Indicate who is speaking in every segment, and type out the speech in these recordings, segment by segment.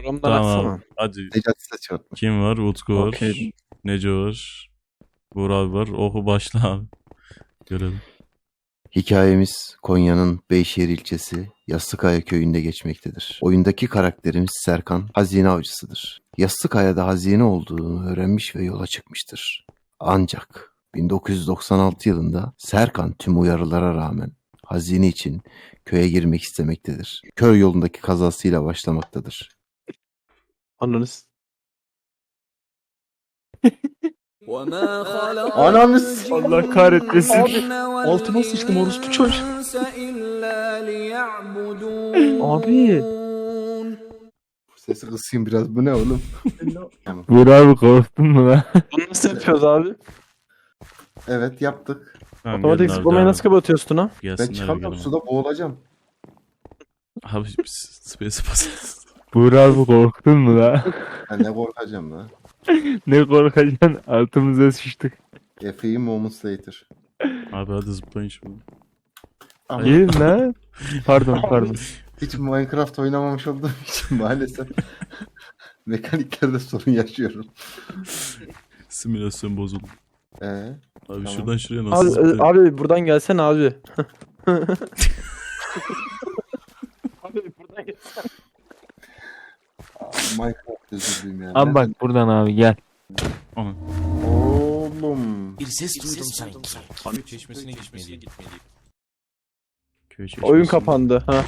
Speaker 1: Programdan
Speaker 2: Tamam
Speaker 1: açsana.
Speaker 2: abi. Hadi.
Speaker 3: Necati Saçma.
Speaker 2: Kim var? Utku var.
Speaker 1: Okey.
Speaker 2: Neco var. Buğra abi var. Oku başla abi. Görelim.
Speaker 3: Hikayemiz Konya'nın Beyşehir ilçesi Yastıkaya köyünde geçmektedir. Oyundaki karakterimiz Serkan hazine avcısıdır. Yastıkaya'da hazine olduğunu öğrenmiş ve yola çıkmıştır. Ancak 1996 yılında Serkan tüm uyarılara rağmen hazine için köye girmek istemektedir. Köy yolundaki kazasıyla başlamaktadır.
Speaker 1: Anladınız.
Speaker 3: Ananız!
Speaker 1: Allah kahretmesin. Altıma sıçtım orospu çocuğu. Abi.
Speaker 3: Sesi kısayım biraz. Bu ne oğlum?
Speaker 4: Buğra abi korktun mu lan?
Speaker 1: Bunu nasıl yapıyoruz abi?
Speaker 3: Evet yaptık.
Speaker 2: Tamam,
Speaker 1: Otomatik
Speaker 2: gelin abi,
Speaker 1: zıplamayı
Speaker 2: devam
Speaker 1: nasıl kapatıyorsun ha?
Speaker 3: Ben
Speaker 2: Gelsinler
Speaker 3: çıkamıyorum,
Speaker 2: gelin.
Speaker 3: suda boğulacağım.
Speaker 2: Abi space bas.
Speaker 4: Buğra abi korktun mu lan?
Speaker 3: Ben ne korkacağım lan.
Speaker 4: Ne korkacaksın? Altımıza sıçtık.
Speaker 3: A few moments later.
Speaker 2: Abi hadi zıplayın şimdi.
Speaker 3: Ama
Speaker 4: Gelin lan. Pardon.
Speaker 3: hiç Minecraft oynamamış olduğum için maalesef mekaniklerde sorun yaşıyorum.
Speaker 2: Simülasyon bozuldu.
Speaker 3: Abi
Speaker 2: Abi
Speaker 3: Tamam.
Speaker 2: şuradan şuraya nasıl
Speaker 1: Abi,
Speaker 2: zıplayın?
Speaker 1: abi buradan gelsene abi. Abi buradan gel.
Speaker 3: Minecraft özür dilerim yani.
Speaker 4: Abi bak buradan abi gel.
Speaker 2: Aman.
Speaker 3: Oğlum.
Speaker 5: Bir ses duydum sanki. Abi çeşmesine gitmeliyim.
Speaker 2: Köy çeşmesi.
Speaker 1: Oyun kapandı. Ha.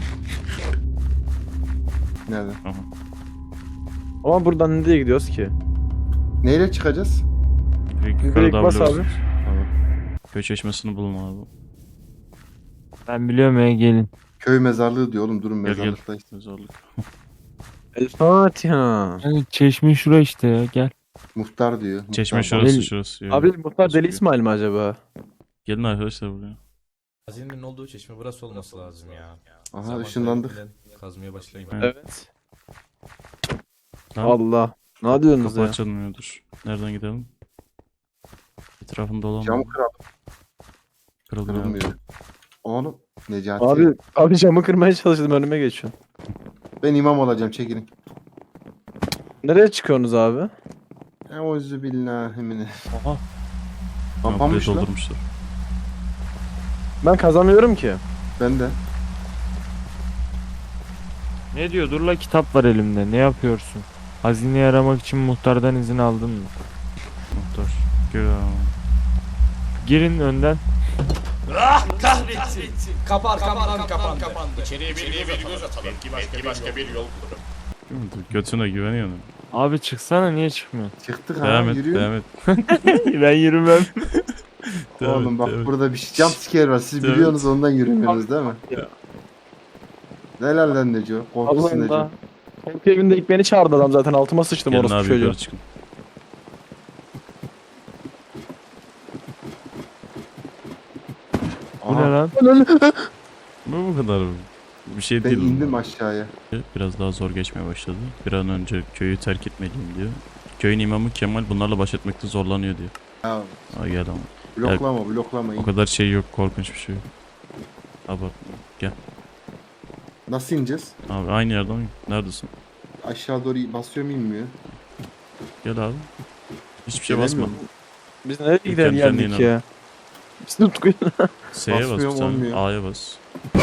Speaker 3: Nerede?
Speaker 2: Aha.
Speaker 1: Ama buradan nereye gidiyoruz ki?
Speaker 3: Neyle çıkacağız?
Speaker 1: Direkt bas abi.
Speaker 3: Tamam.
Speaker 2: Köy çeşmesini bulun abi.
Speaker 4: Ben biliyorum ya gelin.
Speaker 3: Köy mezarlığı diyor oğlum, durun
Speaker 2: Gel gel.
Speaker 3: mezarlıktayız.
Speaker 2: Mezarlık.
Speaker 1: El Fatiha.
Speaker 4: Yani çeşme şura işte ya gel.
Speaker 3: Muhtar diyor.
Speaker 2: Çeşme
Speaker 3: Muhtar
Speaker 2: şurası
Speaker 4: Gel.
Speaker 2: şurası.
Speaker 1: Abi muhtar Deli İsmail mi acaba?
Speaker 2: Gelin arkadaşlar buraya.
Speaker 5: Hazinenin olduğu çeşme burası olması lazım ya.
Speaker 3: Aha
Speaker 5: Zaman
Speaker 3: ışınlandık.
Speaker 5: kaybetmeden Kazmaya başlayayım.
Speaker 2: Evet.
Speaker 1: Evet.
Speaker 2: Tamam.
Speaker 1: Allah. Ne diyorsunuz
Speaker 2: Kapı
Speaker 1: ya?
Speaker 2: açılmıyordur. Nereden gidelim? Etrafında dolanma.
Speaker 3: Camı kıralım.
Speaker 2: Kırılmıyor.
Speaker 3: Kırılmıyor. Oğlum Necati.
Speaker 1: Abi camı kırmaya çalıştım, önüme geçiyorsun.
Speaker 3: Ben imam olacağım, çekilin.
Speaker 1: Nereye çıkıyorsunuz abi?
Speaker 3: Euzu billahi mine.
Speaker 4: Aha.
Speaker 2: Buraya
Speaker 3: Kapanmış lan.
Speaker 2: doldurmuşlar.
Speaker 1: Ben kazamıyorum ki.
Speaker 3: Ben de.
Speaker 4: Ne diyor? Dur la kitap var elimde. Ne yapıyorsun? Hazineyi aramak için muhtardan izin aldın mı?
Speaker 2: Muhtar. Gel abi.
Speaker 4: Girin önden.
Speaker 5: Kahretsin. Kapı arkamdan kapandı. İçeriye bir göz atalım. Belki başka bir yol bulurum.
Speaker 2: Götüne güveniyor musun?
Speaker 4: Abi çıksana niye çıkmıyor?
Speaker 3: Çıktık ha,
Speaker 2: Devam et,
Speaker 3: yürüyün.
Speaker 2: devam et.
Speaker 4: Ben yürümem.
Speaker 2: Devam
Speaker 3: Oğlum
Speaker 2: et,
Speaker 3: bak
Speaker 2: devam et.
Speaker 3: burada bir jump scare var. Siz
Speaker 2: Evet.
Speaker 3: biliyorsunuz, ondan yürümüyorsunuz değil mi?
Speaker 1: Ya.
Speaker 3: Helal lan Neco. Korkusun Neco.
Speaker 1: Allah. Benim evimde ilk beni çağırdı adam zaten, altıma sıçtım
Speaker 2: Gelin
Speaker 1: orospu
Speaker 2: abi
Speaker 1: çocuğu.
Speaker 2: yukarı çıkın.
Speaker 4: Bu ne
Speaker 3: Aha,
Speaker 4: lan?
Speaker 2: Bu kadar bir şey
Speaker 3: ben
Speaker 2: değil.
Speaker 3: indim aşağıya.
Speaker 2: Biraz daha zor geçmeye başladı. Bir an önce köyü terk etmeliyim diyor. Köyün imamı Kemal bunlarla baş etmekte zorlanıyor diyor.
Speaker 3: Ya
Speaker 2: Aa, gel ama.
Speaker 3: bloklama.
Speaker 2: O kadar şey yok, korkunç bir şey yok. Abartma. Gel.
Speaker 3: Nasıl ineceğiz?
Speaker 2: Abi aynı yerden mi? Neredesin?
Speaker 3: Aşağı doğru basıyor mu, inmiyor?
Speaker 2: Gel abi. Hiçbir şey basma.
Speaker 3: Gelemiyor mu?
Speaker 1: Biz nereye gidelim
Speaker 2: Kendi
Speaker 1: geldik
Speaker 2: kendine
Speaker 1: ya? Biz tutkuyu.
Speaker 2: S'ye bas bir
Speaker 3: Basmıyorum,
Speaker 2: tane.
Speaker 3: olmuyor.
Speaker 2: A'ya bas.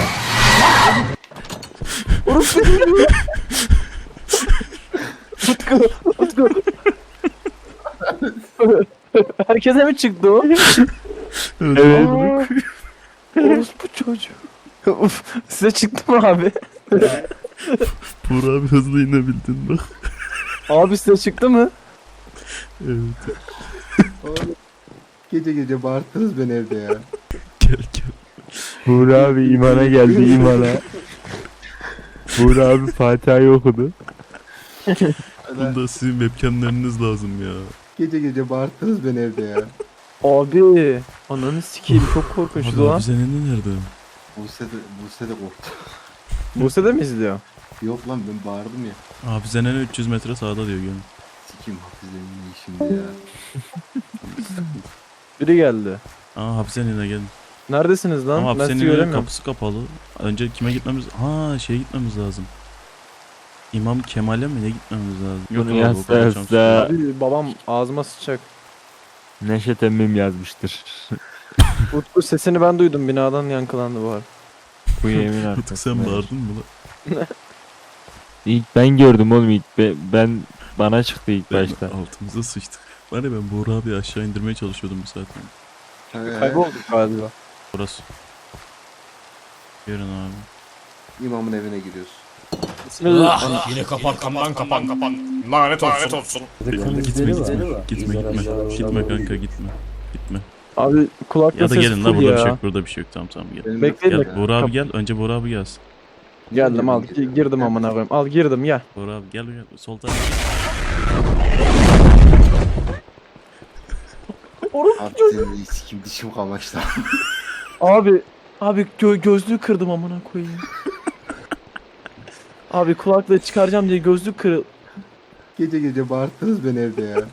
Speaker 1: Utku. Herkese mi çıktı o?
Speaker 4: Evet.
Speaker 1: Orospu çocuğu. Uf, size çıktı mı abi?
Speaker 2: Buğra abi hızlı inebildin bak.
Speaker 1: Abi size çıktı mı?
Speaker 2: Evet.
Speaker 3: Oğlum, gece bağırttınız beni evde ya.
Speaker 2: Gel gel.
Speaker 4: Buğra abi imana geldi imana. Buğra abi Fatiha'yı okudu.
Speaker 2: Bunda sizin webcamleriniz lazım ya.
Speaker 3: Gece bağırttınız beni evde ya.
Speaker 1: Abi. Ananı sikeyim, çok korkunçtu
Speaker 2: Abi
Speaker 1: lan.
Speaker 2: hapishanenin nerede?
Speaker 3: Buse de korktu.
Speaker 1: Buse de mi izliyor?
Speaker 3: Yok lan, ben bağırdım ya.
Speaker 2: Hapishanenin 300 metre sağda diyor gel.
Speaker 3: Sikiyim hafizenin iyi şimdi ya.
Speaker 1: Biri geldi.
Speaker 2: Aa hapishaneye gelin.
Speaker 1: Neredesiniz lan?
Speaker 2: Ama
Speaker 1: Ben sizi
Speaker 2: hapishanenin
Speaker 1: göremiyorum.
Speaker 2: kapısı kapalı. Önce kime gitmemiz? Ha şeye gitmemiz lazım. İmam Kemal'e mi ne gitmemiz lazım?
Speaker 4: Bunu
Speaker 2: abi, o
Speaker 4: yazsa
Speaker 2: kadar
Speaker 4: yazsa.
Speaker 2: şans yok.
Speaker 1: Abi babam ağzıma sıçacak.
Speaker 4: Neşet emmim yazmıştır.
Speaker 1: Utku sesini ben duydum, binadan yankılandı bu arada.
Speaker 4: Bu yemin
Speaker 2: Utku
Speaker 4: artık.
Speaker 2: sen bağırdın mı lan?
Speaker 4: İlk ben gördüm oğlum ilk. Ben bana çıktı ilk
Speaker 2: Ben
Speaker 4: başta.
Speaker 2: altımıza sıçtık. Var ya ben Buğra abi aşağı indirmeye çalışıyordum bu saatten.
Speaker 1: Kaybolduk galiba.
Speaker 2: Burası. Yarın abi.
Speaker 3: İmamın evine giriyoruz.
Speaker 5: Ah, yine kapan. Lanet olsun.
Speaker 2: Gitme kanka gitme. Gitme.
Speaker 1: Abi kulakta
Speaker 2: Ya da
Speaker 1: ses
Speaker 2: gelin la
Speaker 1: full
Speaker 2: burada bir
Speaker 1: ya.
Speaker 2: şey yok. Burada bir şey yok. Tamam gel.
Speaker 3: Benim
Speaker 1: Bekleyin
Speaker 2: Gel
Speaker 1: de
Speaker 2: Buğra abi gel. Önce Buğra abi gelsin.
Speaker 1: geldim, al girdim amına koyayım. Al girdim ya.
Speaker 2: Buğra abi gel. Sol tarafa.
Speaker 3: Abi senin sikim dişim kamaştı.
Speaker 1: Abi gözlüğü kırdım amına koyayım. Abi kulaklığı çıkaracağım diye gözlük kırıl.
Speaker 3: Gece gece bağırttınız beni evde ya.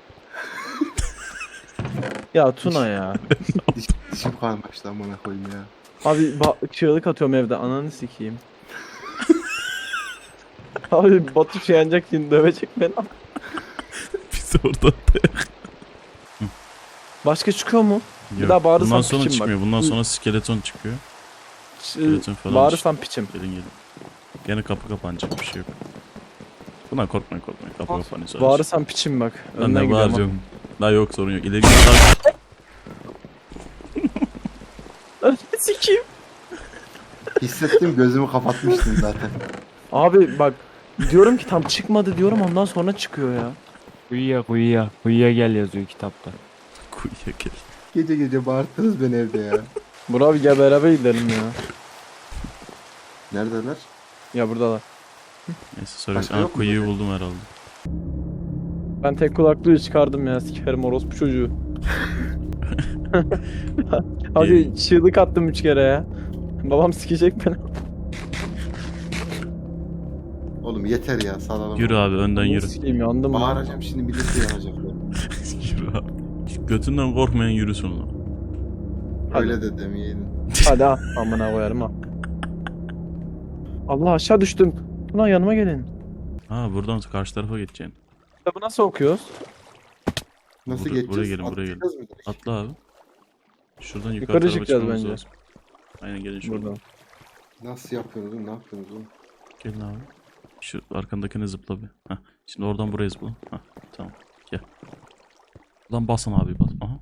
Speaker 1: Ya Tuna ya.
Speaker 3: Dişim kamaştı amına koyayım ya.
Speaker 1: Abi çığlık atıyorum evde, ananı sikeyim. Abi Batu şey yanacak şimdi, dövecek beni.
Speaker 2: Biz orada.
Speaker 1: Başka çıkıyor mu?
Speaker 2: Yok.
Speaker 1: daha bağırırsam
Speaker 2: Bundan sonra
Speaker 1: piçim bak.
Speaker 2: çıkmıyor. Bundan sonra skeleton çıkıyor. Skeleton falan.
Speaker 1: Bağırırsam piçim.
Speaker 2: Gelin. Gene kapı kapanacak bir şey yok. Bundan korkmayın. Kapı kapanıyor sadece.
Speaker 1: Bağırırsam piçim bak.
Speaker 2: Ben
Speaker 1: Önden
Speaker 2: de
Speaker 1: gidiyorum.
Speaker 2: bağıracağım. Daha yok sorun yok. İleri git.
Speaker 1: Ananı sikeyim.
Speaker 3: Hissettim, gözümü kapatmıştım zaten.
Speaker 1: Abi bak diyorum ki tam çıkmadı diyorum, ondan sonra çıkıyor ya.
Speaker 4: Kuyuya gel yazıyor kitapta.
Speaker 2: Kuyuya gel.
Speaker 3: Gece gece bağırttınız beni evde ya.
Speaker 1: Burak abi gel beraber gidelim ya.
Speaker 3: Neredeler?
Speaker 1: Ya buradalar.
Speaker 2: Neyse sonra
Speaker 3: Başka yok mu
Speaker 2: kuyuyu
Speaker 3: zaten?
Speaker 2: buldum herhalde.
Speaker 1: Ben tek kulaklığı çıkardım ya, sikerim orospu çocuğu. Hadi çığlık attım 3 kere ya. Babam sikecek beni.
Speaker 3: Oğlum yeter ya, salalım.
Speaker 2: Yürü abi önden yürü.
Speaker 1: Sikeyim, yandım lan.
Speaker 3: Bağıracağım şimdi, milleti yanacaklar.
Speaker 2: Yürü abi. Şu götünden korkmayan yürüsün lan.
Speaker 3: Öyle de demeyeydin.
Speaker 1: Hadi ha, amına koyarım ha. Allah aşağı düştüm. Buna yanıma gelin.
Speaker 2: Ha buradan karşı tarafa geçeceksin.
Speaker 1: Kitabı nasıl okuyoruz?
Speaker 3: Nasıl
Speaker 2: Buraya
Speaker 3: geçeceğiz?
Speaker 2: gelin, buraya gelin.
Speaker 3: Atlayacağız mı direkt?
Speaker 2: Atla abi. Şuradan yukarı
Speaker 1: Yukarı
Speaker 2: tarafa
Speaker 1: çıkacağız
Speaker 2: çıkmamız
Speaker 1: bence.
Speaker 2: lazım. Aynen gelin şuradan.
Speaker 1: Buradan.
Speaker 3: Nasıl yapıyorsunuz oğlum? Ne yapıyorsunuz oğlum?
Speaker 2: Gelin abi. Şu arkandakini zıpla bir. Heh. Şimdi oradan buraya zıpla. Heh. Tamam. Gel. Lan basın abi bas. Aha.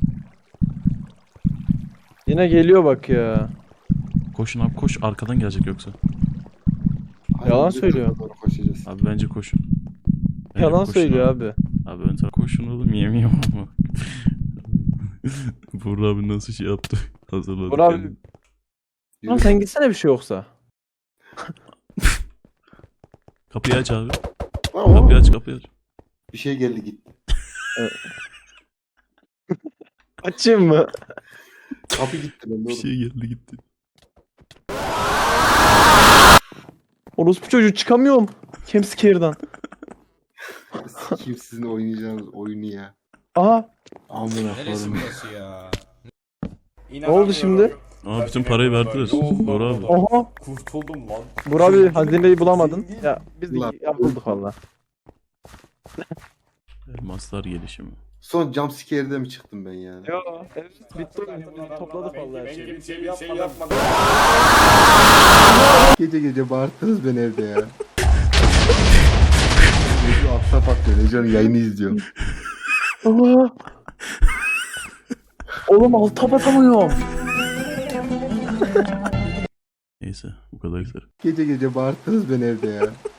Speaker 1: Yine geliyor bak ya.
Speaker 2: Koşun abi koş. Arkadan gelecek yoksa.
Speaker 1: Yalan
Speaker 3: biz de
Speaker 1: söylüyor.
Speaker 3: tarafa doğru koşacağız.
Speaker 2: Abi bence koşun. Bence
Speaker 1: Yalan
Speaker 2: koşun
Speaker 1: söylüyor abi.
Speaker 2: Abi ön tarafa koşun oğlum yemiyorum ama. Buğra abi nasıl şey yaptı? Hazırladı.
Speaker 1: Buğra abi-
Speaker 2: kendini.
Speaker 1: Lan sen gitsene bir şey yoksa.
Speaker 2: Kapıyı aç abi.
Speaker 3: Aa,
Speaker 2: Kapıyı aç.
Speaker 3: bir şey geldi gitti.
Speaker 1: Açayım mı?
Speaker 3: Kapı gitti bende
Speaker 2: Bir
Speaker 3: oğlum.
Speaker 2: şey geldi gitti.
Speaker 1: Orospu çocuğu çıkamıyorum. Campscare'dan.
Speaker 3: Sikiyim sizin oynayacağınız oyunu ya.
Speaker 1: Aha.
Speaker 3: Amına
Speaker 5: Neresi
Speaker 3: koyayım.
Speaker 5: burası ya?
Speaker 1: Ne oldu şimdi?
Speaker 2: Aa bütün parayı verdiler. Buğra abi.
Speaker 1: Oha.
Speaker 5: Kurtuldum lan.
Speaker 1: Burak abi hazineyi bulamadın. Ya biz de
Speaker 3: Ulan.
Speaker 1: bulduk valla.
Speaker 2: Elmaslar gelişimi.
Speaker 3: Son jumpscare'de mi çıktım ben yani?
Speaker 1: Ya evet bitti oyun. Topladık valla her şeyi.
Speaker 5: Bir şey yapmadım.
Speaker 3: Gece gece bağırttınız beni evde ya. Neco atla patlıyor. Neco'nun yayını izliyorum.
Speaker 1: Aa. Oğlum alta batamıyorum.
Speaker 2: Neyse bu kadar yeter.
Speaker 3: Gece gece bağırttınız beni evde ya.